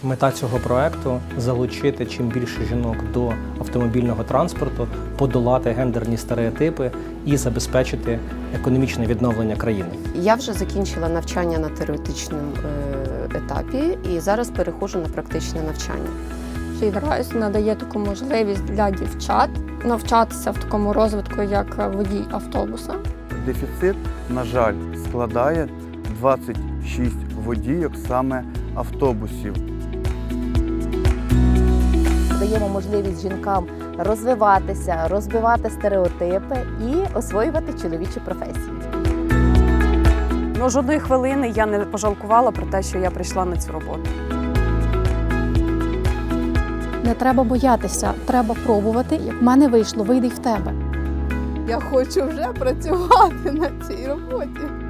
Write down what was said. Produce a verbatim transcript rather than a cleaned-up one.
Мета цього проекту – залучити чим більше жінок до автомобільного транспорту, подолати гендерні стереотипи і забезпечити економічне відновлення країни. Я вже закінчила навчання на теоретичному етапі і зараз переходжу на практичне навчання. Фейдрайс надає таку можливість для дівчат навчатися в такому розвитку, як водій автобуса. Дефіцит, на жаль, складає двадцять шість водійок саме автобусів. Даємо можливість жінкам розвиватися, розбивати стереотипи і освоювати чоловічі професії. Ну, жодної хвилини я не пожалкувала про те, що я прийшла на цю роботу. Не треба боятися, треба пробувати. Як в мене вийшло, вийде й в тебе. Я хочу вже працювати на цій роботі.